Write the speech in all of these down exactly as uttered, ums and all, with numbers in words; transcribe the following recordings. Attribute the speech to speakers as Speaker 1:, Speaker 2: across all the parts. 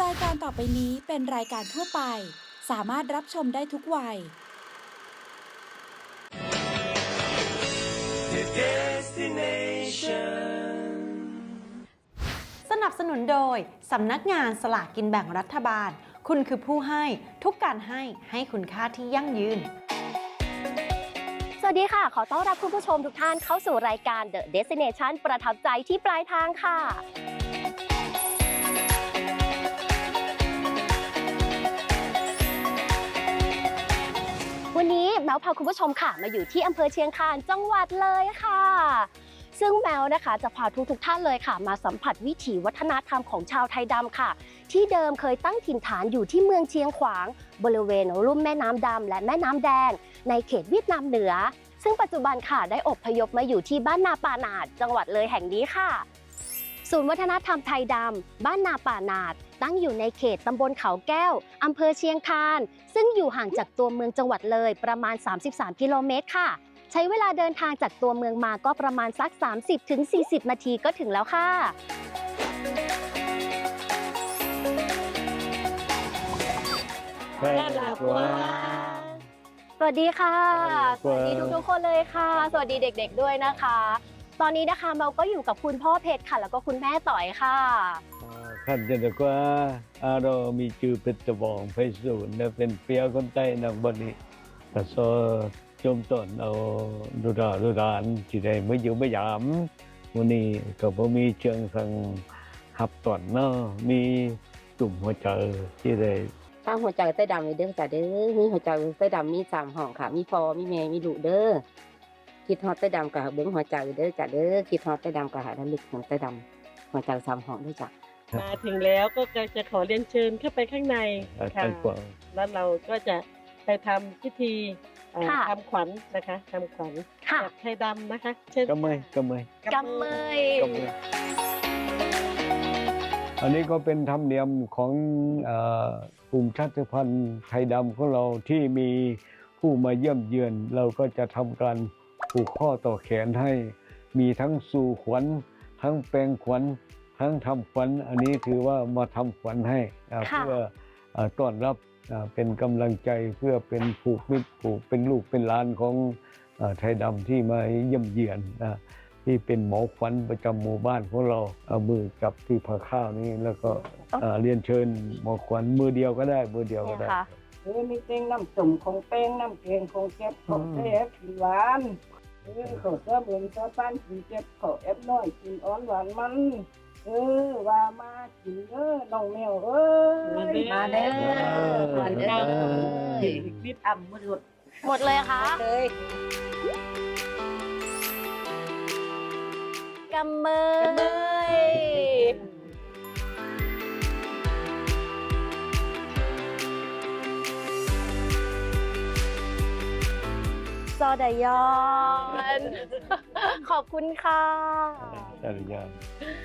Speaker 1: ายการต่อไปนี้เป็นรายการทั่วไปสามารถรับชมได้ทุกวัย
Speaker 2: The Destination
Speaker 3: สนับสนุนโดยสำนักงานสลากกินแบ่งรัฐบาลคุณคือผู้ให้ทุกการให้ให้คุณค่าที่ยั่งยืน
Speaker 4: สวัสดีค่ะขอต้อนรับคุณผู้ชมทุกท่านเข้าสู่รายการ The Destination ประทับใจที่ปลายทางค่ะวันนี้แมวพาคุณผู้ชมค่ะมาอยู่ที่อำเภอเชียงคานจังหวัดเลยค่ะซึ่งแมวนะคะจะพาทุกทุกท่านเลยค่ะมาสัมผัสวิถีวัฒนธรรมของชาวไทยดำค่ะที่เดิมเคยตั้งถิ่นฐานอยู่ที่เมืองเชียงขวางบริเวณลุ่มแม่น้ำดำและแม่น้ำแดงในเขตเวียดนามเหนือซึ่งปัจจุบันค่ะได้อพยพมาอยู่ที่บ้านนาป่าหนาดจังหวัดเลยแห่งนี้ค่ะศูนย์วัฒนธรรมไทยดำบ้านนาป่าหนาดตั้งอยู่ในเขตตำบลเขาแก้วอำเภอเชียงคานซึ่งอยู่ห่างจากตัวเมืองจังหวัดเลยประมาณสามสิบสามกิโลเมตรค่ะใช้เวลาเดินทางจากตัวเมืองมาก็ประมาณสัก สามสิบถึงสี่สิบ นาทีก็ถึงแล้วค่ะสวัสดีค่ะสวัสดีทุกๆคนเลยค่ะสวัสดีเด็กๆด้วยนะคะตอนนี้นะคะเราก็อยู่กับคุณพ่อเพชรค่ะแล้วก็คุณแม่ต่อยค่ะ
Speaker 5: ท่านจะบอกว่าเรามีชื่อเป็นตะบองไพศาลและเป็นเปียคนใต้นางบนี้แต่โซจมต้นเอาดูดาดูดานที่ได้ไม่อยู่ไม่ยามวันนี้ก็บ่มีเชิงสังหับตอนเนาะมีตุ่มหัวใจที่ได้
Speaker 6: ข้างหัวใจใต้ดำเลยเด้อจ้ะเด้อมีหัวใจใต้ดำมีสามห้องค่ะมีพอมีแม่มีลูกเด้อคิดฮอดใต้ดำกับเบิ้งหัวใจเด้อจ้ะเด้อคิดฮอดใต้ดำกับหาระลึกของใต้ดำหัวใจสามห้องด้วยจ้ะ
Speaker 7: มาถึงแล้วก็จะขอเรียนเชิญเข้าไปข้างในค่ะแล้วเราก็จะไปทำพิธีทำขวัญนะคะทำขวัญแบบไทยดำนะคะเช่น
Speaker 5: กำเมยกำเมย
Speaker 4: กำเมย
Speaker 5: อันนี้ก็เป็นธรรมเนียมของกลุ่มชาติพันธุ์ไทยดำของเราที่มีผู้มาเยี่ยมเยือนเราก็จะทำการผูกข้อต่อแขนให้มีทั้งสู่ขวัญทั้งแปลงขวัญทั้งทำขวัญอันนี้ถือว่ามาทำขวัญให้เพื่อต้อนรับเป็นกำลังใจเพื่อเป็นผูกมิตรผูกเป็นลูกเป็นหลานของไทยดำที่มาเยี่ยมเยือนที่เป็นหมอขวัญประจำหมู่บ้านของเราเอามือกับที่ผ้าข้าวนี้แล้วก็เรียนเชิญหมอขวัญมือเดียวก็ได้มือเดียวก็ได้
Speaker 8: เออมีเต้งน้ำตุ่มของเป้งน้ำเกงของเจ็บของเอฟกินหวานเออขอเสื้อเบืองเสื้อป้านกินเจ็บขอเอฟน้อยกินอ่อนหวานมันเออว่ามากินเด้อน้องแมวเอ้ย
Speaker 4: มาเด้อมาเด้อ
Speaker 8: บิดอ่ำหมด
Speaker 4: หมดเลยค่ะ
Speaker 8: เลย
Speaker 4: กำเมยซอดายอนขอบคุณค่ะ
Speaker 5: ซอดายอน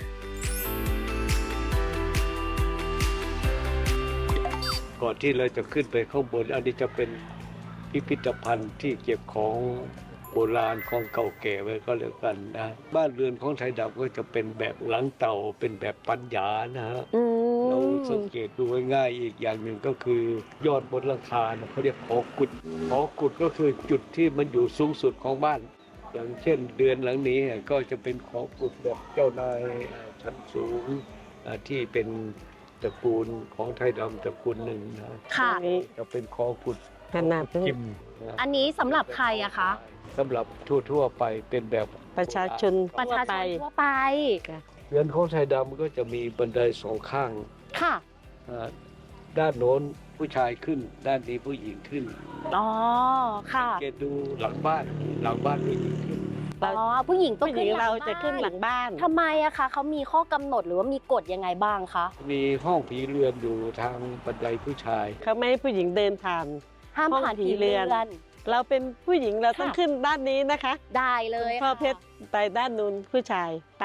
Speaker 5: ก่อนที่เราจะขึ้นไปข้างบนอันนี้จะเป็นพิพิธภัณฑ์ที่เก็บของโบราณของเก่าแก่ไว้ก็แล้วกันนะบ้านเรือนของไทยดำก็จะเป็นแบบหลังเต่าเป็นแบบปัญญานะฮะเราสังเกตดูง่ายๆอีกอย่างหนึ่งก็คือยอดบนหลังคาเขาเรียกหอกุดหอกุดก็คือจุดที่มันอยู่สูงสุดของบ้านอย่างเช่นเดือนหลังนี้ก็จะเป็นหอกุดแบบเจ้านายชั้นสูงที่เป็นตระกูลของไทยดำตระกูลหนึ่งนะ
Speaker 4: ค่ะ
Speaker 5: จะเป็นหอกุด
Speaker 7: ขนาด
Speaker 5: จิม
Speaker 4: อันนี้สำหรับใครอะคะ
Speaker 5: สำหรับทั่วๆไปเป็นแบบ
Speaker 7: ประชาชน
Speaker 4: ประชาชนทั่วไป
Speaker 5: เรือนของไทยดำก็จะมีบันไดสองข้าง
Speaker 4: ค่ะ
Speaker 5: ด้านโน้นผู้ชายขึ้นด้านนี้ผู้หญิงขึ้น
Speaker 4: อ๋อค่ะ
Speaker 5: เกตดูหลังบ้านหลังบ้านผู้หญิงขึ้น
Speaker 4: อ๋อผู้หญิงต้องขึ้น
Speaker 7: เราจะขึ้นหลังบ้าน
Speaker 4: ทำไมอะคะเขามีข้อกำหนดหรือว่ามีกฎยังไงบ้างคะ
Speaker 5: มีห้องผีเรือนอยู่ทางบันไดผู้ชาย
Speaker 7: เขาไม่ให้ผู้หญิงเดินผ่าน
Speaker 4: ห้ามผ่านผีเรือน
Speaker 7: เราเป็นผู้หญิงเราต้องขึ้นด้านนี้นะคะ
Speaker 4: ได้เลย
Speaker 7: พ่อเพชรไปด้านนู้นผู้ชายไป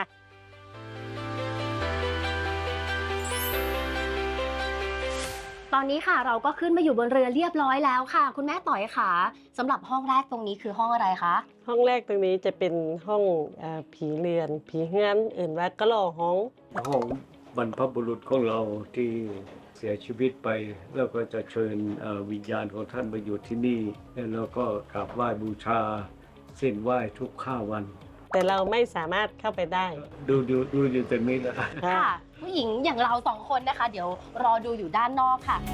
Speaker 4: ตอนนี้ค่ะเราก็ขึ้นมาอยู่บนเรือเรียบร้อยแล้วค่ะคุณแม่ต่อยค่ะสำหรับห้องแรกตรงนี้คือห้องอะไรคะ
Speaker 7: ห้องแรกตรงนี้จะเป็นห้องผีเรือนผีเฮือนอื่นว่ากะหล่อห้อง
Speaker 5: ห้องบรรพบุรุษของเราที่เสียชีวิตไปแล้วก็จะเชิญเอ่อวิญญาณของท่านมาอยู่ที่นี่แล้วก็กราบไหว้บูชาเส้นไหว้ทุกข้าวัน
Speaker 7: แต่เราไม่สามารถเข้าไปได้
Speaker 5: ดูดูดูอยู่ตรงนี้นะ
Speaker 4: ค่ะ ผู้หญิงอย่างเราสองคนนะคะ เดี๋ยวรอดูอยู่ด้านนอกค่ะ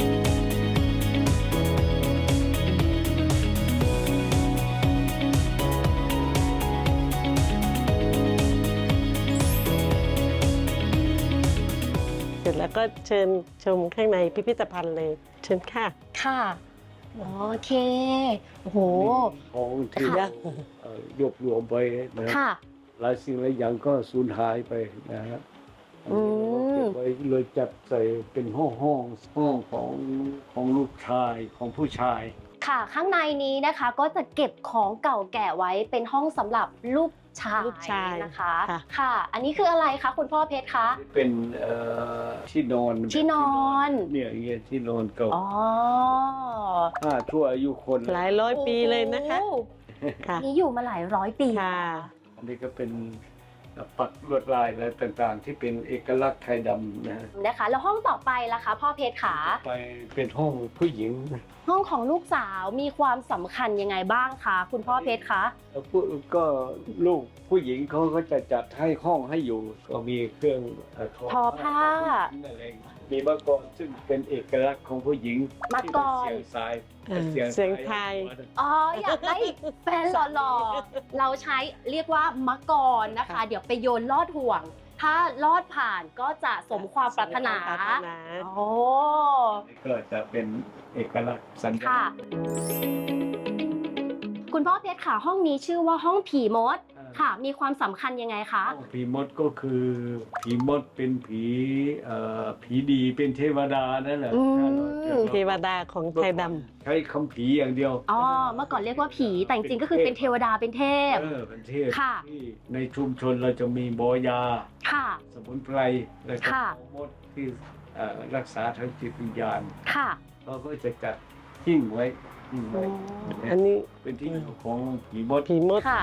Speaker 7: เสร็จแล้วก็เชิญชมข้างในพิพิธภัณฑ์เลย เชิญค่ะ
Speaker 4: ค่ะโอเคโอ้โห
Speaker 5: ของที่
Speaker 4: ค่ะ
Speaker 5: เราเอ่อรวบรวมไปนะ
Speaker 4: ค่ะ
Speaker 5: หลายสิ่งหลายอย่างก็สูญหายไปนะฮะ
Speaker 4: อืม
Speaker 5: เก็บไว้เลยจัดใส่เป็นห้องห้องห้องของของลูกชายของผู้ชาย
Speaker 4: ค่ะข้างในนี้นะคะก็จะเก็บของเก่าแก่ไว้เป็นห้องสำหรับลูกชาย
Speaker 7: ลูกชาย
Speaker 4: นะคะ
Speaker 7: ค่ะ
Speaker 4: ค่ะ อันนี้คืออะไรคะคุณพ่อเพชรคะ
Speaker 5: เป็นเอ่อที่นอน
Speaker 4: ที่นอน
Speaker 5: เนี่ยอย่างเงี้ยที่นอนเก่า
Speaker 4: อ๋อ
Speaker 5: ห้าชั่วอายุคน
Speaker 7: หลายร้อยปีเลยนะคะ
Speaker 4: โอ้โห
Speaker 7: ค่ะ
Speaker 4: นี่อยู่มาหลายร้อยปี
Speaker 7: ค่ะ
Speaker 5: อันนี้ก็เป็นปักลวดลายอะไรต่างๆ ที่เป็นเอกลักษณ์ไทยดำนะฮะ
Speaker 4: นะคะ แล้วห้องต่อไปล่ะคะพ่อเพชรขา
Speaker 5: ไปเป็นห้องผู้หญิง
Speaker 4: ห้องของลูกสาวมีความสำคัญยังไงบ้างคะคุณพ่อเพชรคะ
Speaker 5: แล้วผู้ก็ลูกผู้หญิงเขาก็จะจัดให้ห้องให้อยู่ ก็มีเครื่องเ
Speaker 4: ทอผ้า
Speaker 5: อะไรมีมะกรซึ่งเป็นเอกลักษณ์ของผู้หญิง
Speaker 4: มะกร
Speaker 5: ที่เป็นเสียงสาย
Speaker 7: เออเสียงไทย
Speaker 4: อ๋ออยากได้แฟนหล่อๆ เราใช้เรียกว่ามะกรนะคะ เดี๋ยวไปโยนลอดห่วง ถ้าลอดผ่านก็จะสมความปรารถนา
Speaker 7: สมความปรารถนา
Speaker 4: โอ้
Speaker 5: ก็จะเป็นเอกลักษณ์สัญลั
Speaker 4: ค่ะ
Speaker 5: กษณ์
Speaker 4: คุณพ่อเพชรค่ะห้องนี้ชื่อว่าห้องผีมดค่ะ มีความสำคัญยังไงคะ
Speaker 5: ห้องผีมดก็คือผีมดเป็นผีเอ่อผีดีเป็นเทวดานั่นแหละ
Speaker 4: อืม
Speaker 7: เทวดาของไทยด
Speaker 5: ใช้คำผีอย่างเดียว
Speaker 4: อ๋อเมื่อก่อนเรียกว่าผีแต่จริงๆก็คือเป็นเทวดาเป็นเทพ
Speaker 5: เออเป็นเทพ
Speaker 4: ค่ะ
Speaker 5: ที่ในชุมชนเราจะมีบอยา
Speaker 4: ค่ะ
Speaker 5: สมุนไพรและก็
Speaker 4: ค่ะ
Speaker 5: มดที่เอ่อรักษาทางจิตวิญญาณ
Speaker 4: ค่ะ
Speaker 5: เราก็จะจัดหิ้งไว้หิ้งไว้
Speaker 7: ำอันนี้
Speaker 5: เป็นที่อยู่ของผีมด
Speaker 7: ผีมด
Speaker 4: ค่ะ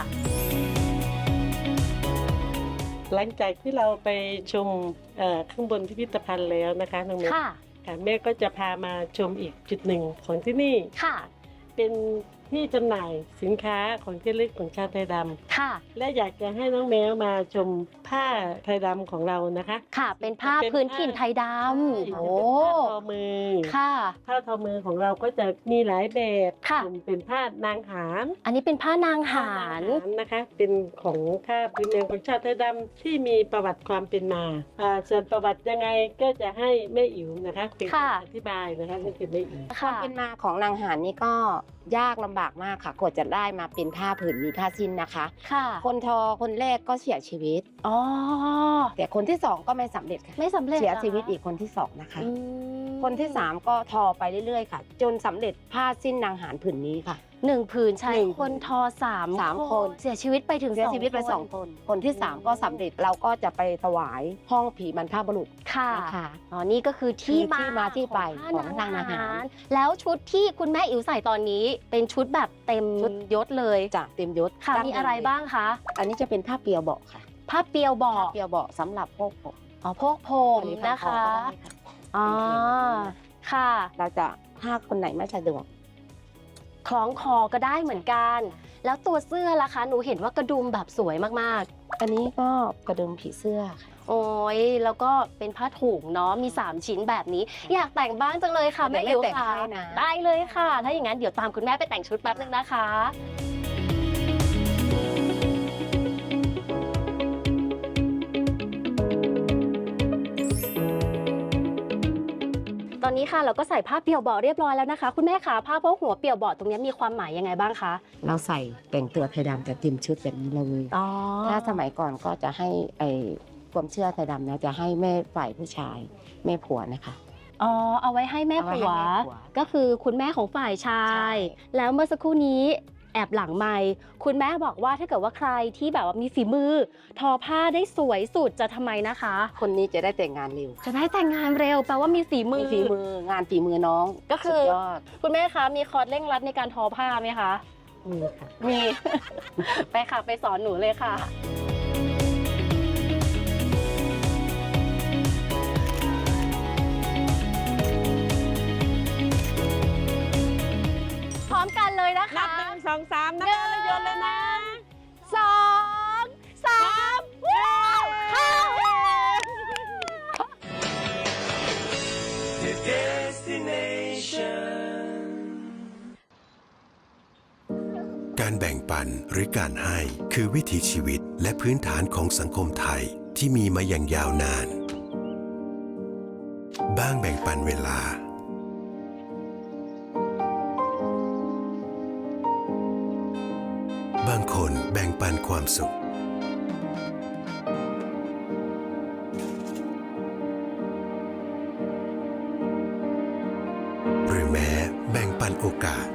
Speaker 7: หลังจากที่เราไปชมเอ่อข้างบนพิพิธภัณฑ์แล้วนะคะน้องเมย์
Speaker 4: ค่ะ
Speaker 7: ค่ะแม่ก็จะพามาชมอีกจุดหนึ่งของที่นี่
Speaker 4: ค่ะ
Speaker 7: เป็นที่จำหน่ายสินค้าของที่ระลึกของชาวไทยด
Speaker 4: ค่ะ
Speaker 7: ำและอยากจะให้น้องแมวมาชมผ้าไทยดำของเรานะคะ
Speaker 4: ค่ะ เป็นผ้า
Speaker 7: เป็น
Speaker 4: พื้นถิ่นไทยด
Speaker 7: ใช่
Speaker 4: ำ
Speaker 7: จะ
Speaker 4: โอ้
Speaker 7: เป็นผ้าทอมือ
Speaker 4: ค่ะ
Speaker 7: ผ้าทอมือของเราก็จะมีหลายแบบ
Speaker 4: ค่ะ
Speaker 7: กลุ่มเป็นผ้านางหาร
Speaker 4: อันนี้เป็นผ้านางหาร
Speaker 7: ผ้นงนะคะ เป็นของผ้าพื้นเมืองของชาวไทยดำที่มีประวัติความเป็นมาอ่าส่วนประวัติยังไงก็จะให้แม่อิ๋วนะคะเป็นคน
Speaker 4: ค่ะ
Speaker 7: อธิบายนะคะนี่คือแม่อิ๋ว
Speaker 4: ค่ะ
Speaker 6: เป็นมาของนางหารนี่ก็ยากลำบากมากค่ะกว่าจะได้มาเป็นผ้าผืนนี้ผ้าสิ้นนะคะ
Speaker 4: ค่ะ
Speaker 6: คนทอคนแรกก็เสียชีวิต
Speaker 4: อ๋อ
Speaker 6: แต่คนที่สองก็ไม่สำเร็จค่ะ
Speaker 4: ไม่สำเร็จ
Speaker 6: เสีย
Speaker 4: หร
Speaker 6: ชีวิตอีกคนที่สองนะคะ
Speaker 4: อืม
Speaker 6: คนที่สามก็ทอไปเรื่อยๆค่ะ จนสำเร็จผ้าสิ้นนางหารผืนนี้ค่ะ
Speaker 4: หนึ่งผืนใช้
Speaker 6: หนึ่ง
Speaker 4: คนทอสาม
Speaker 6: สามคน
Speaker 4: เสียชีวิตไปถึง
Speaker 6: เสียชีวิตไป
Speaker 4: คน
Speaker 6: สองคน คนที่สามก็สำเร็จเราก็จะไปถวายห้องผีบรรพบุรุษ
Speaker 4: ค่ะ
Speaker 6: นะคะ
Speaker 4: อ๋อ นี่ก็คือที่
Speaker 6: คือที่มาที่ไป
Speaker 4: ของ
Speaker 6: ของนางอาหาร
Speaker 4: แล้วชุดที่คุณแม่อิ๋วใส่ตอนนี้ เป็นชุดแบบเต็ม
Speaker 6: ชุด
Speaker 4: ยศเลย
Speaker 6: จากเต็มยศ
Speaker 4: ค่ะ
Speaker 6: ดั้ง
Speaker 4: มีอะไร
Speaker 6: เดิ
Speaker 4: บ้างคะ
Speaker 6: อันนี้จะเป็นผ้าเปียวเบาะค่ะ
Speaker 4: ผ้าเปียวเบาะ
Speaker 6: ผ้าเปียวเบาะสำหรับพวกผม
Speaker 4: อ๋อพวกผม
Speaker 6: อั
Speaker 4: นะคะ
Speaker 6: ก็ได้ค่ะ
Speaker 4: อ๋อ ค่ะ
Speaker 6: เราจะถ้าคนไหนไม่สะดวก
Speaker 4: คล้องคอก็ได้เหมือนกัน แล้วตัวเสื้อล่ะคะ หนูเห็นว่ากระดุมแบบสวยมาก
Speaker 6: อันนี้ก็กระดุมผีเสื้อค่ะ
Speaker 4: ๆ โอ้ย แล้วก็เป็นผ้าถุงเนาะ มีสามชิ้นแบบนี้ อยากแต่งบ้างจังเลยค่ะ
Speaker 6: เดี๋
Speaker 4: แม่
Speaker 6: ยว
Speaker 4: อิ๋ว
Speaker 6: แม่แต่ง
Speaker 4: ค่ะ
Speaker 6: ให้นะ
Speaker 4: ได้เลยค่ะ ถ้าอย่างนั้นเดี๋ยวตามคุณแม่ไปแต่งชุดแป๊บนึงนะคะ ตอนนี้ค่ะเราก็ใส่ผ้าเปี่ยวเบาะเรียบร้อยแล้วนะคะ คุณแม่คะผ้าโพกหัวเปี่ยวเบาะตรงนี้มีความหมายยังไงบ้างคะ
Speaker 6: เราใส่แต่งตัวไทยดำแต่เต็มชุดแบบนี้เลย
Speaker 4: อ๋อ
Speaker 6: ถ้าสมัยก่อนก็จะให้ไอความเชื่อไทยดำนะจะให้แม่ฝ่ายผู้ชายแม่ผัวนะคะ
Speaker 4: อ๋อ เอาไว้ให้แม่
Speaker 6: เอาไว้
Speaker 4: ผั
Speaker 6: ให้
Speaker 4: ว
Speaker 6: แม่ผัว
Speaker 4: ก็คือคุณแม่ของฝ่ายชาย
Speaker 6: ใช่
Speaker 4: แล้วเมื่อสักครู่นี้แอบหลังไมค์คุณแม่บอกว่าถ้าเกิดว่าใครที่แบบว่ามีฝีมือ ทอผ้าได้สวยสุดจะทำไมนะคะ
Speaker 6: คนนี้จะได้แต่งงานเร็ว
Speaker 4: จะได้แต่งงานเร็วแปลว่ามีฝีมื
Speaker 6: มี
Speaker 4: อ
Speaker 6: ฝีมืองานฝีมือน้อง
Speaker 4: ก็คือ
Speaker 6: สุดยอด
Speaker 4: คุณแม่คะมีคอร์สเร่งรัดในการทอผ้าไหมคะ
Speaker 6: มีค่ะ
Speaker 4: มี ไปค่ะไปสอนหนูเลยค่ะ ค
Speaker 7: สองสามนะคะแล้วโยนเลยนะ
Speaker 4: สองสามว้าวเข้า
Speaker 2: The destination
Speaker 9: การแบ่งปันหรือการให้คือวิถีชีวิตและพื้นฐานของสังคมไทยที่มีมาอย่างยาวนานบ้างแบ่งปันเวลาบางคนแบ่งปันความสุขหรือแม้แบ่งปันโอกาส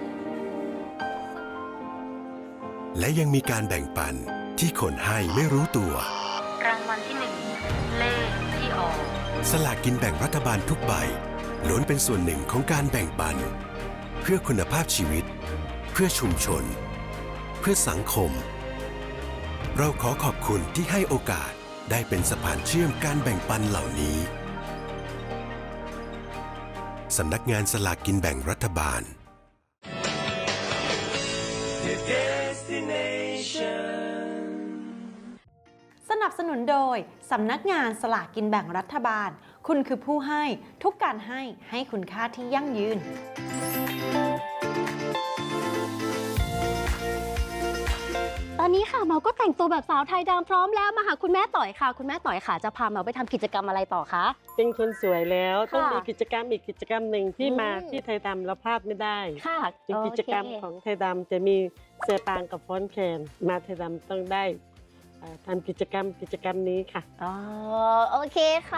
Speaker 9: และยังมีการแบ่งปันที่คนให้ไม่รู้ตัว
Speaker 10: รางวัลที่หนึ่งเลขที่ออก
Speaker 9: สลากกินแบ่งรัฐบาลทุกใบล้วนเป็นส่วนหนึ่งของการแบ่งปันเพื่อคุณภาพชีวิตเพื่อชุมชนเพื่อสังคมเราขอขอบคุณที่ให้โอกาสได้เป็นสะพานเชื่อมการแบ่งปันเหล่านี้สำนักงานสลากกินแบ่งรัฐบาล
Speaker 2: The destination
Speaker 3: สนับสนุนโดยสำนักงานสลากกินแบ่งรัฐบาลคุณคือผู้ให้ทุกการให้ให้คุณค่าที่ยั่งยืน
Speaker 4: ตอนนี้ค่ะเมาก็แต่งตัวแบบสาวไทยดำพร้อมแล้วมาหาคุณแม่ต่อยค่ะคุณแม่ต่อยค่ะจะพาเมาไปทำกิจกรรมอะไรต่อคะ
Speaker 7: เป็นคนสวยแล้วต้อง
Speaker 4: ค่ะ
Speaker 7: มีกิจกรรมอีกกิจกรรมหนึ่งที่
Speaker 4: อืม
Speaker 7: มาที่ไทยดำเราพลาดไม่ได้
Speaker 4: ค่ะ
Speaker 7: เป็นกิจกรรม
Speaker 4: โเค
Speaker 7: ของไทยดำจะมีเสือปางกับฟ้อนแคนมาไทยดำต้องได้เอ่อทำกิจกรรมกิจกรรมนี้ค่ะ
Speaker 4: อ๋อโอเคค่ะ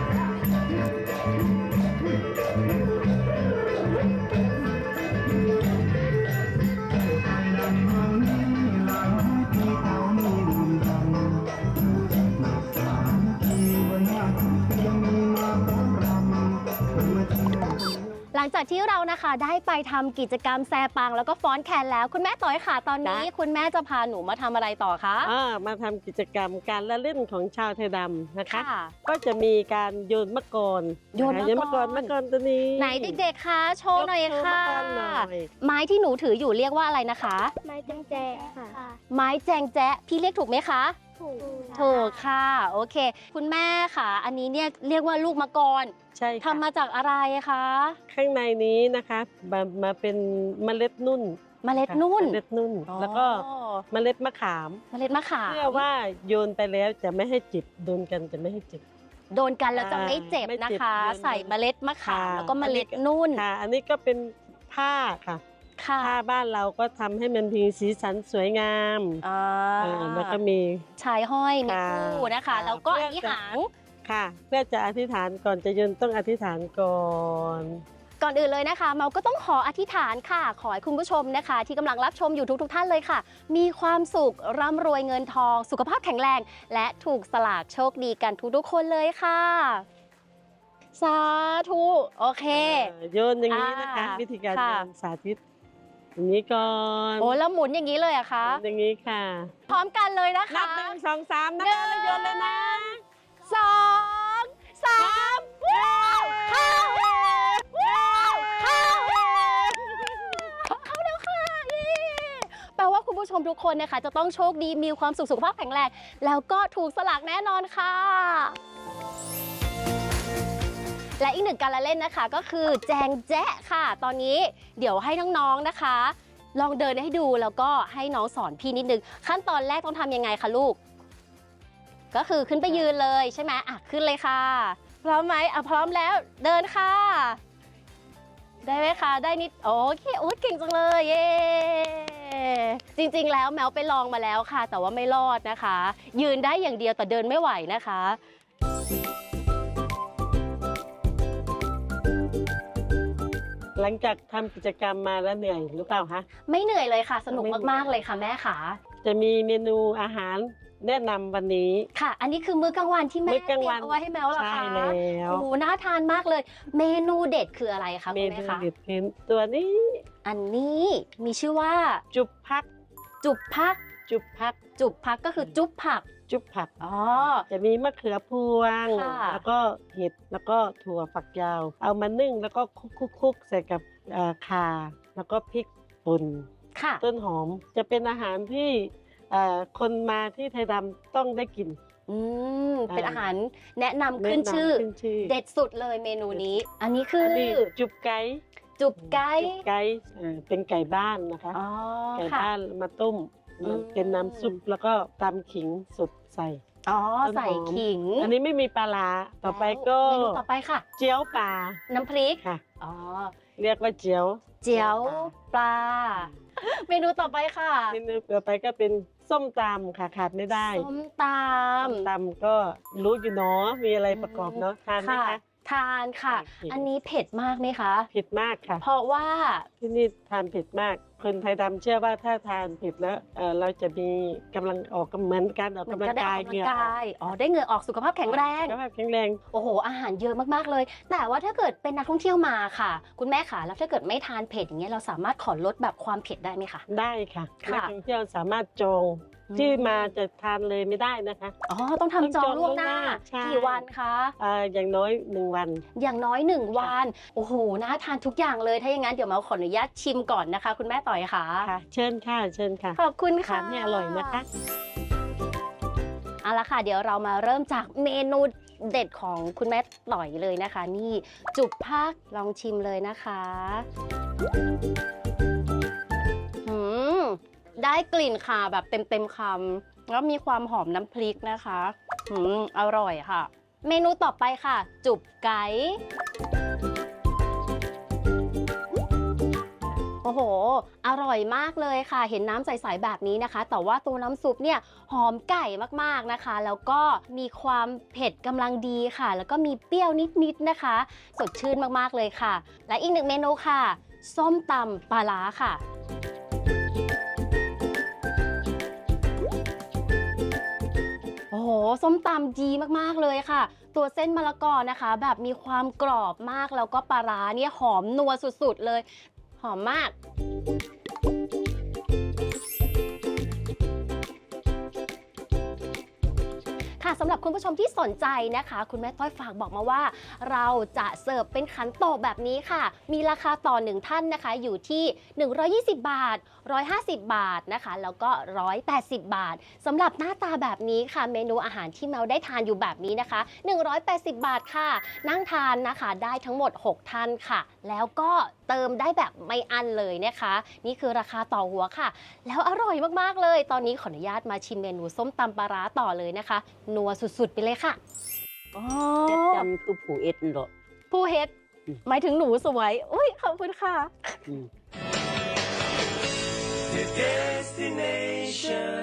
Speaker 4: หลังจากที่เรานะคะได้ไปทำกิจกรรมแซปังแล้วก็ฟ้อนแคนแล้วคุณแม่ต่อยค่ะตอนนี้ คุณแม่จะพาหนูมาทำอะไรต่อคะ
Speaker 7: อ่ามาทำกิจกรรมการละเล่นของชาวไทยดำนะคะ
Speaker 4: ค่ะ
Speaker 7: ก็จะมีการโยนมะกร
Speaker 4: โยนมะกร
Speaker 7: มะกรตัวนี้
Speaker 4: ไหนเด็กๆคะโชว์หน่อย
Speaker 7: โชว์
Speaker 4: ค่ะ
Speaker 7: มะกรหน่อย
Speaker 4: ไม้ที่หนูถืออยู่เรียกว่าอะไรนะคะ
Speaker 11: ไม้แจงแจค่ะ
Speaker 4: ไม้แจงแจ๊ะพี่เรียกถูกไหมคะ
Speaker 11: ถูก
Speaker 4: ถูกค่ะโอเค คุณแม่ค่ะ อันนี้เนี่ยเรียกว่าลูกมะกร
Speaker 7: ใช่ค่ะ
Speaker 4: ทำมาจากอะไรคะ
Speaker 7: ข้างในนี้นะคะมามาเป็นเมล็ดนุ่น
Speaker 4: เมล็ดนุ่น
Speaker 7: เมล็ดนุ่น
Speaker 4: อ๋อ
Speaker 7: แล้วก็เมล็ดมะขาม
Speaker 4: เมล็ดมะขาม
Speaker 7: เพื่อว่าโยนไปแล้วจะไม่ให้จิบโดนกันจะไม่ให้จิบ
Speaker 4: โดนกันแล้วจะไม่เจ็บ
Speaker 7: ไม่
Speaker 4: นะ
Speaker 7: เจ็บ
Speaker 4: คะ
Speaker 7: โดน
Speaker 4: ใส่เมล็ดมะขาม
Speaker 7: ค่ะ
Speaker 4: แล้วก็เมล็ดนุ่น
Speaker 7: ค่ะ อันนี้ก็เป็นผ้าค่ะ
Speaker 4: ค่ะ
Speaker 7: ผ้าบ้านเราก็ทำให้มันมีสีสันสวยงาม
Speaker 4: อ่า
Speaker 7: อ่าแล้วก็มี
Speaker 4: ชายห้อยมี
Speaker 7: ค่ะ
Speaker 4: คู่นะคะ
Speaker 7: ค่ะ
Speaker 4: แล้วก็
Speaker 7: เพื่
Speaker 4: อั
Speaker 7: อน
Speaker 4: นี้
Speaker 7: จะ
Speaker 4: หาง
Speaker 7: ค่ะเพื่อจะอธิษฐานก่อนจะโยนต้องอธิษฐานก่อน
Speaker 4: ก่อนอื่นเลยนะคะเมาก็ต้องขออธิษฐานค่ะ ขอให้คุณผู้ชมนะคะ ที่กำลังรับชมอยู่ทุกๆท่านเลยค่ะ มีความสุขร่ำรวยเงินทอง สุขภาพแข็งแรง และถูกสลากโชคดีกันทุกๆคนเลยค่ะ สาธุโอเค
Speaker 7: เอ่อโยนอย่างนี้นะคะ
Speaker 4: อ่า
Speaker 7: วิธีการ
Speaker 4: ค่ะ
Speaker 7: โยนสาธิตอย่างนี้ก่อน
Speaker 4: โอ้แล้วหมุนอย่างนี้เลยอะคะ
Speaker 7: อย่างนี้ค่ะ
Speaker 4: พร้อมกันเลยนะคะ
Speaker 7: นับหนึ่งสองสามนะคะแล้วโยนเลยนะ
Speaker 4: สองสามว้าวเข้าว้าวเข้าเข้าแล้วค่ะเย้แปลว่าคุณผู้ชมทุกคนนะคะจะต้องโชคดีมีความสุขสุขภาพแข็งแรงแล้วก็ถูกสลากแน่นอนค่ะ และอีกหนึ่งการละเล่นนะคะก็คือแจงแจ๊ะค่ะ ตอนนี้เดี๋ยวให้น้องๆนะคะ ลองเดินให้ดูแล้วก็ให้น้องสอนพี่นิดนึงขั้นตอนแรกต้องทำยังไงคะลูก ก็คือขึ้นไปยืนเลยใช่ไหมอ่ะขึ้นเลยค่ะ พร้อมไหมอ่ะพร้อมแล้วเดินค่ะ ได้ไหมคะได้นิดโอเคโอ้ยเก่งจังเลยเย้จริงๆแล้วแมวไปลองมาแล้วค่ะ แต่ว่าไม่รอดนะคะ ยืนได้อย่างเดียวแต่เดินไม่ไหวนะคะ
Speaker 7: หลังจากทำกิจกรรมมาแล้วเหนื่อยหรือเปล่าคะ
Speaker 4: ไม่เหนื่อยเลยค่ะ สนุก
Speaker 7: ไม่เหนื่อย
Speaker 4: มากๆเลยค่ะแม่ค่ะ
Speaker 7: จะมีเมนูอาหารแนะนำวันนี้
Speaker 4: ค่ะ อันนี้คือมื้อกลางวันที่แม่
Speaker 7: มื้
Speaker 4: เต
Speaker 7: อกลาง
Speaker 4: รีย
Speaker 7: วัน
Speaker 4: มเอาไว้ให้แมวเหรอ
Speaker 7: ใช่
Speaker 4: คะ
Speaker 7: แล้ว
Speaker 4: โอ้โหน่าทานมากเลย เมนูเด็ดคืออะไรคะ
Speaker 7: เม
Speaker 4: คุณ
Speaker 7: นู
Speaker 4: แม่คะ
Speaker 7: เด็ดคือตัวนี้
Speaker 4: อันนี้มีชื่อว่า
Speaker 7: จุบพัก
Speaker 4: จุบพัก
Speaker 7: จุบพัก
Speaker 4: จุบพักก็คือจุ๊บผัก
Speaker 7: จุบผัก
Speaker 4: อ๋อ
Speaker 7: จะมีมะเขือพวง
Speaker 4: ค่ะ
Speaker 7: แล้วก็เห็ดแล้วก็ถั่วฝักยาว เอามานึ่งแล้วก็คลุกๆๆใส่กับเอ่อข่าแล้วก็พริกป่น
Speaker 4: ค่ะ
Speaker 7: ต้นหอมจะเป็นอาหารที่เอ่อคนมาที่ไทยดำต้องได้กิน
Speaker 4: อืมเป็น
Speaker 7: อ่า
Speaker 4: อาหารแนะนำขึ้น
Speaker 7: แะำ
Speaker 4: ชื่อ
Speaker 7: ขึ้นชื่อ
Speaker 4: เด็ดสุดเลยเมนูนี้ อันนี้คือ
Speaker 7: อั
Speaker 4: อน
Speaker 7: นี้จุบไก่
Speaker 4: จุบไก่
Speaker 7: จุบไก่เอ่อเป็นไก่บ้านนะคะ
Speaker 4: อ๋อ
Speaker 7: ไก่
Speaker 4: ค่ะ
Speaker 7: บ้านมาต้ม
Speaker 4: อืม
Speaker 7: เป็นน้ำซุปแล้วก็ตำขิงสดใส่
Speaker 4: อ๋อ
Speaker 7: ต้นหอม
Speaker 4: ใส่ขิง
Speaker 7: อันนี้ไม่มีปลาร้าต่อไปก็
Speaker 4: เมนูต่อไปค่ะ
Speaker 7: เจียวปลา
Speaker 4: น้ำพริก
Speaker 7: ค่ะ
Speaker 4: อ๋อ
Speaker 7: เรียกว่าเจียว
Speaker 4: เจียวปลา เมนูต่อไปค่ะ
Speaker 7: เมนูต่อไปก็เป็นส้มตำค่ะขาดไม่ได้
Speaker 4: ส้มต
Speaker 7: ส้มตำก็รู้อยู่เนาะมีอะไรประกอบเนาะทาน
Speaker 4: ำ
Speaker 7: ไหม
Speaker 4: ค่ะ
Speaker 7: คะ
Speaker 4: ทานค่ะ
Speaker 7: โอเค
Speaker 4: อันนี้เผ็ดมากไหมคะ
Speaker 7: เผ็ดมากค่ะ
Speaker 4: เพราะว่า
Speaker 7: ที่นี่ทานเผ็ดมาก คนไทยดำเชื่อว่าถ้าทานเผ็ดแล้วเอ่อเราจะมีกำลังออกกำเหมือนการออก
Speaker 4: มัน
Speaker 7: กำลั
Speaker 4: ก็
Speaker 7: ง
Speaker 4: ได้อ
Speaker 7: กา
Speaker 4: อย กกำลั
Speaker 7: เหงื่
Speaker 4: ง
Speaker 7: อออก
Speaker 4: กาย อ๋อ ได้เหงื่อออกสุขภาพแข็งแรง
Speaker 7: สุขภาพแข็งแรง
Speaker 4: โอ้โห อาหารเยอะมากๆเลย แต่ว่าถ้าเกิดเป็นนักท่องเที่ยวมาค่ะ คุณแม่ค่ะ แล้วถ้าเกิดไม่ทานเผ็ดอย่างเงี้ย เราสามารถขอลดแบบความเผ็ดได้ไหมคะ
Speaker 7: ได้ค่ะ
Speaker 4: ค่ะ
Speaker 7: นักท่องเที่ยวสามารถจอง
Speaker 4: อืม
Speaker 7: ที่มาจะทานเลยไม่ได้นะคะ
Speaker 4: อ๋อ ต้องทำจองล่วงหน้า
Speaker 7: ใช่
Speaker 4: กี่วันคะ
Speaker 7: อ่าอย่างน้อยหนึ่งวัน
Speaker 4: อย่างน้อยหนึ่งวัน โอ้โห น่าทานทุกอย่างเลย ถ้าอย่างนั้นเดี๋ยวมาขออนุญาตชิมก่อนนะคะ คุณแม่ต่อยค่ะ
Speaker 7: ค่ะ เชิญค่ะเชิญค่ะ
Speaker 4: ขอบคุณค่ะ
Speaker 7: ทานให้อร่อยนะคะ
Speaker 4: เอาละค่ะ เดี๋ยวเรามาเริ่มจากเมนูเด็ดของคุณแม่ต่อยเลยนะคะ นี่จุบผักลองชิมเลยนะคะหืมได้กลิ่นค่ะแบบเต็มเต็มๆคำแล้วมีความหอมน้ำพริกนะคะหืมอร่อยค่ะ เมนูต่อไปค่ะ จุบไก่โอ้โห อร่อยมากเลยค่ะ เห็นน้ำใสๆแบบนี้นะคะ แต่ว่าตัวน้ำซุปเนี่ยหอมไก่มากๆนะคะ แล้วก็มีความเผ็ดกำลังดีค่ะ แล้วก็มีเปรี้ยวนิดๆนะคะ สดชื่นมากๆเลยค่ะ และอีกหนึ่งเมนูค่ะ ส้มตำปลาร้าค่ะ โอ้โห ส้มตำดีมากๆเลยค่ะ ตัวเส้นมะละกอนะคะ แบบมีความกรอบมาก แล้วก็ปลาร้าเนี่ยหอมนัวสุดๆเลย หอมมาก ค่ะสำหรับคุณผู้ชมที่สนใจนะคะ คุณแม่ต้อยฝากบอกมาว่า เราจะเสิร์ฟเป็นขันโตกแบบนี้ค่ะ มีราคาต่อหนึ่งท่านนะคะ อยู่ที่หนึ่งร้อยยี่สิบบาทหนึ่งร้อยห้าสิบบาทนะคะ แล้วก็หนึ่งร้อยแปดสิบบาทสำหรับหน้าตาแบบนี้ค่ะ เมนูอาหารที่แมวได้ทานอยู่แบบนี้นะคะหนึ่งร้อยแปดสิบบาทค่ะ นั่งทานนะคะได้ทั้งหมดหกท่านค่ะ แล้วก็เติมได้แบบไม่อั้นเลยนะคะ นี่คือราคาต่อหัวค่ะ แล้วอร่อยมากๆเลย ตอนนี้ขออนุญาตมาชิมเมนูส้มตำปลาร้าต่อเลยนะคะ นัวสุดๆไปเลยค่ะอ๋อ
Speaker 6: เจ็ดจำคือผู้เอ็ดเหรอ
Speaker 4: ผู้เฮ็ดหมายถึงหนูสวยอุ้ยขอบคุณค่ะ
Speaker 6: อืม
Speaker 2: The destination.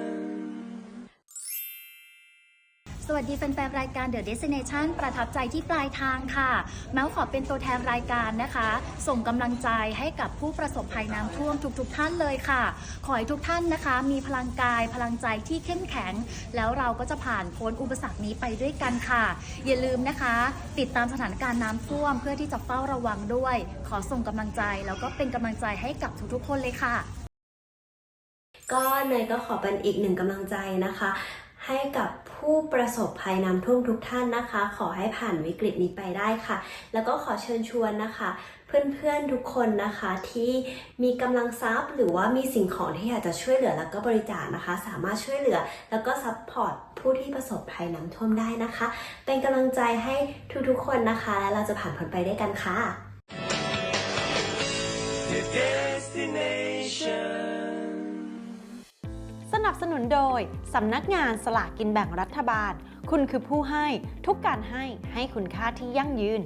Speaker 11: สวัสดีแฟนๆรายการ The Destination ประทับใจที่ปลายทางค่ะ แม้วขอเป็นตัวแทนรายการนะคะ ส่งกำลังใจให้กับผู้ประสบภัยน้ำท่วมทุกๆท่านเลยค่ะ ขอให้ทุกท่านนะคะ มีพลังกายพลังใจที่เข้มแข็ง แล้วเราก็จะผ่านพ้นอุปสรรคนี้ไปด้วยกันค่ะ อย่าลืมนะคะ ติดตามสถานการณ์น้ำท่วมเพื่อที่จะเฝ้าระวังด้วย ขอส่งกำลังใจแล้วก็เป็นกำลังใจให้กับทุกๆคนเลยค่ะ
Speaker 12: ก็เนยก็ขอเป็นอีกหนึ่งกำลังใจนะคะ ให้กับผู้ประสบภัยน้ำท่วมทุกท่านนะคะ ขอให้ผ่านวิกฤตนี้ไปได้ค่ะ แล้วก็ขอเชิญชวนนะคะ เพื่อนๆทุกคนนะคะที่มีกำลังทรัพย์หรือว่ามีสิ่งของที่อยากจะช่วยเหลือแล้วก็บริจาคนะคะ สามารถช่วยเหลือแล้วก็ซัพพอร์ตผู้ที่ประสบภัยน้ำท่วมได้นะคะ เป็นกำลังใจให้ทุกๆคนนะคะและเราจะผ่านพ้นไปด้วยกันค่ะ
Speaker 2: The destination.
Speaker 3: สนับสนุนโดยสำนักงานสลากกินแบ่งรัฐบาล คุณคือผู้ให้ทุกการให้ให้คุณค่าที่ยั่งยืน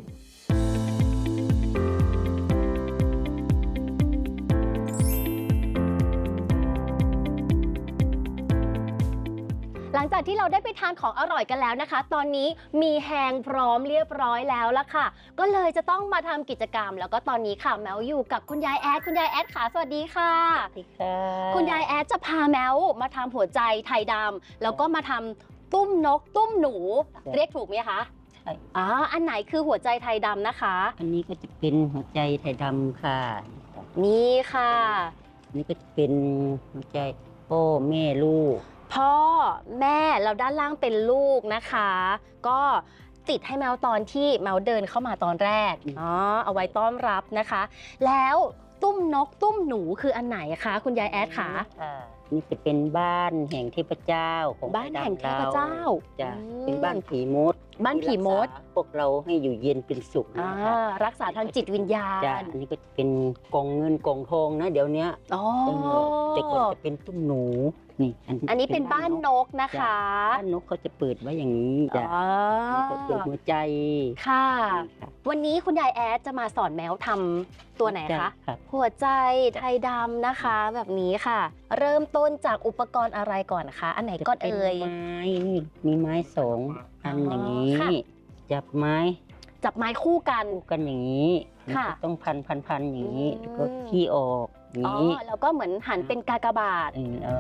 Speaker 4: หลังจากที่เราได้ไปทานของอร่อยกันแล้วนะคะ ตอนนี้มีแฮงพร้อมเรียบร้อยแล้วละค่ะ ก็เลยจะต้องมาทำกิจกรรม แล้วก็ตอนนี้ค่ะแมวอยู่กับคุณยายแอดคุณยายแอดค่ะสวัสดีค่ะ
Speaker 6: สวัสดีค่ะ
Speaker 4: คุณยายแอดจะพาแมวมาทำหัวใจไทยดำแล้วก็มาทำตุ้มนก ตุ้มหนู เรียกถูกไหมคะ
Speaker 6: ใช่
Speaker 4: อ๋ออันไหนคือหัวใจไทยดำนะคะ
Speaker 6: อันนี้ก็จะเป็นหัวใจไทยดำค่ะ
Speaker 4: นี่ค่ะ
Speaker 6: อันนี้ก็จะเป็นหัวใจพ่อแม่ลูก
Speaker 4: พ่อแม่แล้วด้านล่างเป็นลูกนะคะ ก็ติดให้แมวตอนที่แมวเดินเข้ามาตอนแรกอ๋อเอาไว้ต้อนรับนะคะ แล้วตุ้มนกตุ้มหนูคืออันไหนคะคุณยายแอดคะ
Speaker 6: นี่จะเป็นบ้านแห่งเทพเจ้าของ
Speaker 4: บ้านแห่งเทพเจ้า
Speaker 6: จ้ะ
Speaker 4: อืม
Speaker 6: เป็นบ้านผีมด
Speaker 4: บ้านผีมด
Speaker 6: ที่รักษาพวกเราให้อยู่เย็นเป็นสุข
Speaker 4: อ่า
Speaker 6: นะคะ
Speaker 4: รักษาทางจิตวิญญา
Speaker 6: จ้ะ
Speaker 4: ณ
Speaker 6: อันนี้ก็จะเป็นกองเงินกองทองนะเดี๋ยวนี้
Speaker 4: อ๋อ
Speaker 6: เออแต่ก่อนจะเป็นตุ้มหนูนี่
Speaker 4: อันนี้เป็นบ้านนกนะคะ
Speaker 6: บ้านนกเขาจะเปิดไว้อย่างนี้จ้ะ
Speaker 4: อ๋อ
Speaker 6: นี่ก็เปิดหัวใจ
Speaker 4: ค่ะ
Speaker 6: ค่ะ
Speaker 4: วันนี้คุณยายแอดจะมาสอนแมวทำตัวไหนคะ
Speaker 6: ครับ
Speaker 4: หัวใจไทยดำนะคะ แบบนี้ค่ะ เริ่มต้นจากอุปกรณ์อะไรก่อนคะ อันไหนก่อน
Speaker 6: เป็น
Speaker 4: เอ่ย
Speaker 6: ไม้นี่มีไม้สองอันอย่างนี้
Speaker 4: ค่ะ
Speaker 6: จับไม้
Speaker 4: จับไม้คู่กัน
Speaker 6: คู่กันอย่างนี้
Speaker 4: ค่ะ
Speaker 6: มันก็ต้องพันพันพันอย่างนี้
Speaker 4: อืม
Speaker 6: แล้วก็ขี้ออกอย่าง
Speaker 4: อ๋อ
Speaker 6: นี้
Speaker 4: แล้วก็เหมือนหันเป็นกากบาท
Speaker 6: เออเออ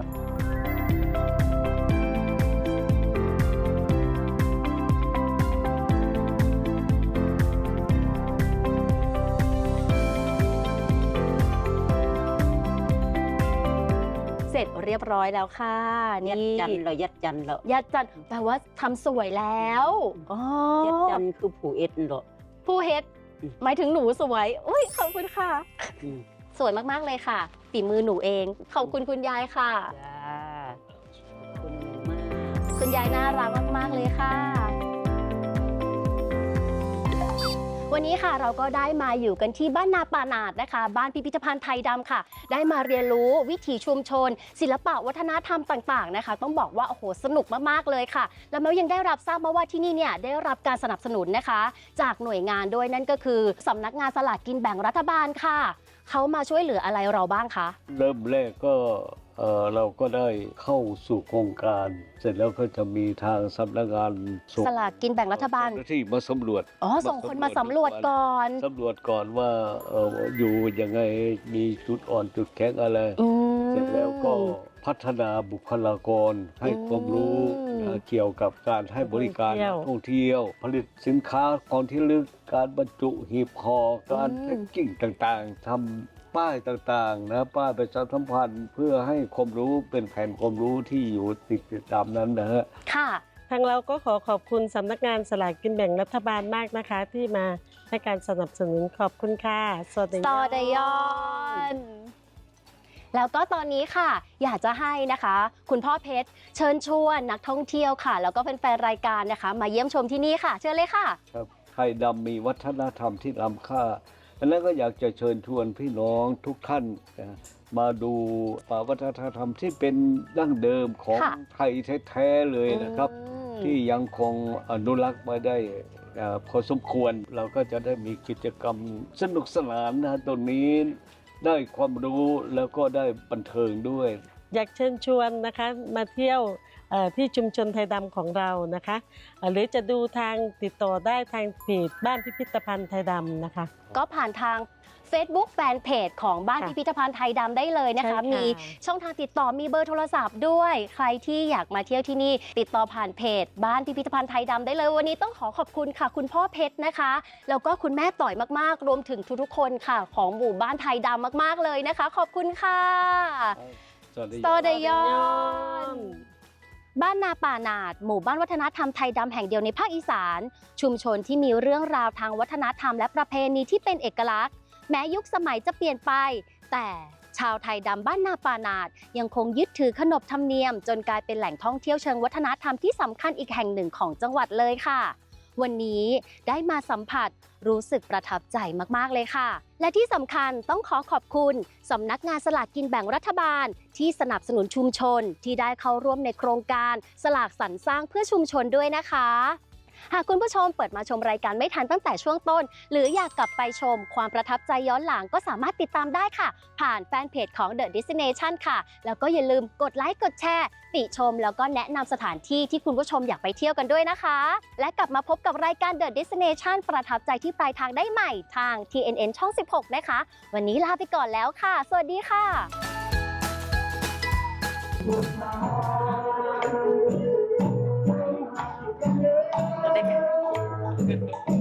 Speaker 4: เสร็จเรียบร้อยแล้วค่ะ
Speaker 6: ยัด
Speaker 4: นี่
Speaker 6: จันทร์เรายัดจันทร์เรา
Speaker 4: ยัดจันทร์แปลว่าทำสวยแล้วอ๋อ
Speaker 6: ยัดจันทร์คือผูเอ็ดเหรอ
Speaker 4: ผู้เฮ็ด
Speaker 6: อืม
Speaker 4: หมายถึงหนูสวยอุ้ยขอบคุณค่ะ
Speaker 6: อืม
Speaker 4: สวยมาก ๆ เลยค่ะ ฝีมือหนูเอง ขอบคุณคุณยายค่ะ
Speaker 6: จ้าขอบคุณมาก
Speaker 4: คุณยายน่ารักมาก ๆ เลยค่ะ วันนี้ค่ะเราก็ได้มาอยู่กันที่บ้านนาป่าหนาดนะคะ บ้านพิพิธภัณฑ์ไทยดำค่ะ ได้มาเรียนรู้วิถีชุมชน ศิลปะวัฒนธรรมต่าง ๆ นะคะ ต้องบอกว่าโอ้โหสนุกมาก ๆ เลยค่ะ แล้วแม้ยังได้รับทราบมาว่าที่นี่เนี่ยได้รับการสนับสนุนนะคะ จากหน่วยงานด้วยนั่นก็คือสำนักงานสลากกินแบ่งรัฐบาลค่ะเขามาช่วยเหลืออะไรเราบ้างคะ
Speaker 5: เริ่มแรกก็เอ่อเราก็ได้เข้าสู่โครงการ เสร็จแล้วก็จะมีทางสำนักงานส่ง
Speaker 4: สลากกินแบ่งรัฐบาล
Speaker 5: เจ้หน้ที่มาสำรวจ
Speaker 4: อ๋อส่งคนมาสำรวจก่อน
Speaker 5: สำรวจก่อนว่าเอ่ออยู่ยังไงมีจุดอ่อนจุดแข็งอะไร
Speaker 4: อืม
Speaker 5: เสร็จแล้วก็พัฒนาบุคลากรให้ความรู้
Speaker 4: อืม
Speaker 5: นะเกี่ยวกับการให้บริการ
Speaker 7: ท่องเที่ยว
Speaker 5: นักท่องเที่ยว ผลิตสินค้าของที่ระลึกการบรรจุหีบห่อการ
Speaker 4: อืม
Speaker 5: แพ็กกิ้งต่างๆทำป้ายต่างๆนะป้ายประชาสัมพันธ์เพื่อให้ความรู้เป็นแผนความรู้ที่อยู่ติดตามนั้นนะฮะ
Speaker 4: ค่ะ
Speaker 7: ทางเราก็ขอขอบคุณสำนักงานสลากกินแบ่งรัฐบาลมากนะคะ ที่มาให้การสนับสนุนขอบคุณค่ะสวัสดี
Speaker 4: สอดยอน แล้วก็ตอนนี้ค่ะ อยากจะให้นะคะ คุณพ่อเพชรเชิญชวนนักท่องเที่ยวค่ะ แล้วก็แฟนๆรายการนะคะ มาเยี่ยมชมที่นี่ค่ะ เชิญเลยค่ะ
Speaker 5: ครับไทยดำมีวัฒนธรรมที่ล้ำค่าดังนั้นก็อยากจะเชิญชวนพี่น้องทุกท่านนะมาดูวัฒนธรรมที่เป็นดั้งเดิมของ
Speaker 4: ค่ะ
Speaker 5: ไทยแท้ๆเลยนะครับ
Speaker 4: อืม
Speaker 5: ที่ยังคงอนุรักษ์มาได้เอ่อพอสมควรเราก็จะได้มีกิจกรรมสนุกสนานนะตรงนี้ได้ความรู้แล้วก็ได้บันเทิงด้วย
Speaker 7: อยากเชิญชวนนะคะมาเที่ยวเอ่อที่ชุมชนไทยดำของเรานะคะเอ่อหรือจะดูทางติดต่อได้ทางเพจบ้านพิพิธภัณฑ์ไทยดำนะคะ
Speaker 4: ก็ผ่านทาง Facebook แฟนเพจของบ้าน
Speaker 7: ค่ะ
Speaker 4: พิพิธภัณฑ์ไทยดำได้เลยนะคะ
Speaker 7: ใช่ค่ะ
Speaker 4: มีช่องทางติดต่อมีเบอร์โทรศัพท์ด้วย ใครที่อยากมาเที่ยวที่นี่ ติดต่อผ่านเพจ บ้านพิพิธภัณฑ์ไทยดำได้เลย วันนี้ต้องขอขอบคุณค่ะ คุณพ่อเพชรนะคะ แล้วก็คุณแม่ต่อยมากๆ รวมถึงทุกๆคนค่ะ ของหมู่บ้านไทยดำมากๆเลยนะคะ ขอบคุณค่ะ
Speaker 5: สวัสดี
Speaker 4: สอดยอน บ้านนาป่าหนาด หมู่บ้านวัฒนธรรมไทยดำแห่งเดียวในภาคอีสาน ชุมชนที่มีเรื่องราวทางวัฒนธรรมและประเพณีที่เป็นเอกลักษณ์ แม้ยุคสมัยจะเปลี่ยนไป แต่ชาวไทยดำบ้านนาป่าหนาดยังคงยึดถือขนบธรรมเนียม จนกลายเป็นแหล่งท่องเที่ยวเชิงวัฒนธรรมที่สำคัญอีกแห่งหนึ่งของจังหวัดเลยค่ะ วันนี้ได้มาสัมผัสรู้สึกประทับใจมากๆเลยค่ะ และที่สำคัญต้องขอขอบคุณสำนักงานสลากกินแบ่งรัฐบาล ที่สนับสนุนชุมชนที่ได้เข้าร่วมในโครงการสลากสรรสร้างเพื่อชุมชนด้วยนะคะ หากคุณผู้ชมเปิดมาชมรายการไม่ทันตั้งแต่ช่วงต้น หรืออยากกลับไปชมความประทับใจย้อนหลังก็สามารถติดตามได้ค่ะ ผ่านแฟนเพจของ The Destination ค่ะ แล้วก็อย่าลืมกดไลค์กดแชร์ติชม แล้วก็แนะนำสถานที่ที่คุณผู้ชมอยากไปเที่ยวกันด้วยนะคะ และกลับมาพบกับรายการ The Destination ประทับใจที่ปลายทางได้ใหม่ทาง ที เอ็น เอ็น ช่อง สิบหก นะคะ วันนี้ลาไปก่อนแล้วค่ะ สวัสดีค่ะ
Speaker 6: ๆ